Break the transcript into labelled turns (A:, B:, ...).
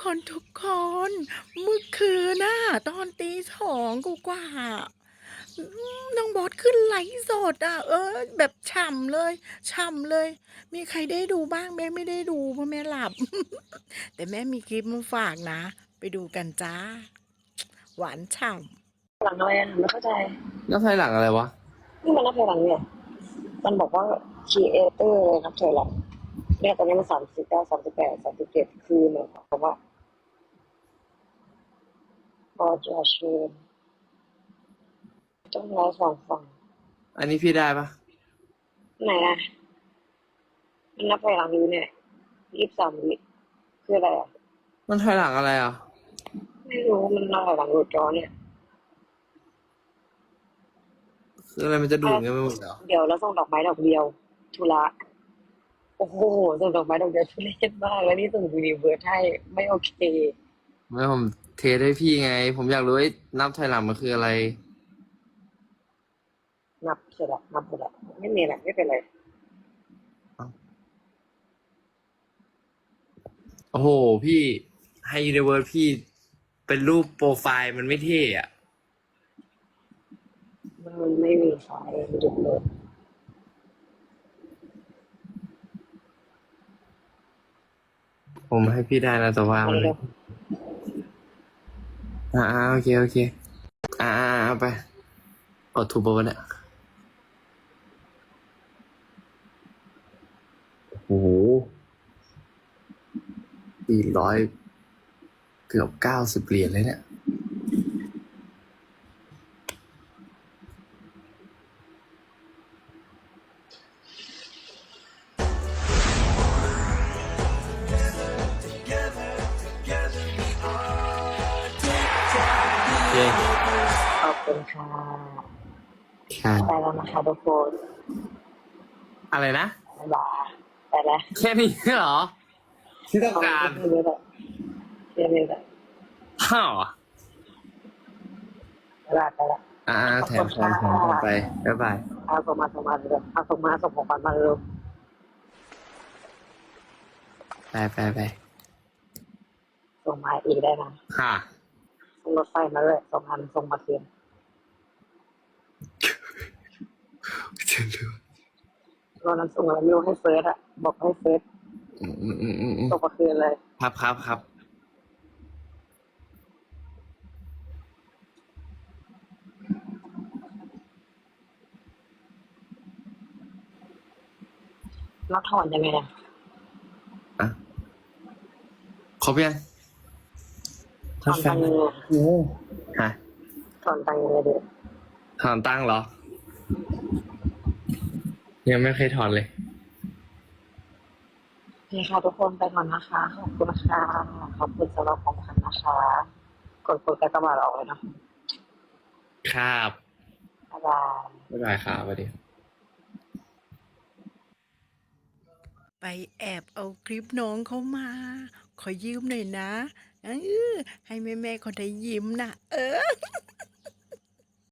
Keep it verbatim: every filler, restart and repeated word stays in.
A: คนทุกคนเมื่อคืนน่ะตอนตีสองกว่าๆอืมน้องบอสขึ้นไลฟ์สดอะเออแบบฉ่ำเลยฉ่ำเลยมีใครได้ดูบ้างแม่ไม่ได้ดูเพราะแม่หลับแต่แม่มีคลิปมาฝากนะไปดูกันจ้าหวานฉ่
B: หลังอะไรอ่ะไม่เข้าใจ
C: นับถอยหลังอะไรวะ
B: นี่มันนับถอยหลังเนี่ยมันบอกว่า creator เลยนับถอยหลังเนี่ยตอนนี้มันสามสิบเก้าสามสิบแปดสามสิบเจ็ดคือเหมือนกับว่าบอจะเชิญต้องร้อยสองฝั่ง
C: อันนี้พี่ได้ปะ
B: ไหนอ่ะมันนับถอยหลังอยู่เนี่ยยี่สิบสามวิคืออะไรอ่ะ
C: มันถอยหลังอะไรอ่ะ
B: ไม่รู้มันนับถอยหลังรูจอเนี่ย
C: คืออะไรมันจะดูดเงี้ยไปหมดเหรอ
B: เดี๋ยวเราส่งดอกไม้ดอกเดียวทุระโอ้โหส่งดอกไม้ดอกเดียวทุเรศมากแล้วนี่ส่งยูนิเวิร์สให้ไม่โอเค
C: ไม่ผมเทสให้พี่ไง ผมอยากรู้ไอ้นับถอยหลังมันคืออะไร
B: นับเสร็จละนับเสร็จละไม่มีอะไรไม่เป็นไร
C: โอ้โหพี่ให้ยูนิเวิร์สพี่เป็นรูปโปรไฟล์มันไม่เท่อะ
B: มันไม่มีไฟหยุดเลย
C: ผมให้พี่ได้นะแต่ว่ามันไม่อ่าอ่าโอเคโอเคอ่าอ่าเอาไปกดถูกปะวะเนี่ยโอ้โหสี่ร้อยเกือบเก้าสิบเหรียญเลยเนี่ยโอเค
B: ขอบคุณค่ะ
C: ค่ะ
B: ไปแล้วนะคะทุกคน
C: อะไรนะ
B: บ๊ายบายไปแล้ว
C: แค่นี้เหรอที่ต้อง
B: เอา
C: การ
B: แค่นี้แหละแค่นี้แหละ
C: ฮ่า
B: บ๊ายบายไปแล้ว
C: อ่า
B: ขอบ
C: แถ
B: คุณ
C: มแถ
B: ค่
C: มแถม
B: ะ
C: ไปบ๊ายบาย
B: เอาส่งมาส่งมาเลยเอาส่งมาส่งของขวัญมาเร็ว
C: ไปไปไป
B: ส่งมาอีกได้นะ
C: ค่ะ
B: ส่งรถไฟมาเลยส่งอันส่งมาคืนรถนั้นส่งแล้วไม่รู้ให้เฟิร์สอะบอกให้เฟิร์ส
C: อืมอืมอืมอืม
B: ส่งมาคืนเลย
C: ครับครับครับ
B: แล้วถอนยังไงอะ
C: อ่ะครบยัง
B: ถอนตังค์ยังไง
C: โอ้ฮะ
B: ถอนตังค์ยังไงเดี๋ยว
C: ถอนตังค์เหรอยังไม่เคยถอนเลย
B: นี่ค่ะทุกคนไปก่อนนะคะขอบคุณค่ะขอบคุณสำหรับของขวัญนะคะกดกดกระบาดออกเลยนะครับบ๊ายบาย
C: บ๊ายบายครับสวัสดี
A: ำไปแอบเอาคลิปน้องเขามาขอยืมหน่อยนะเออให้แม่ๆเขาได้ยิ้มนะเออ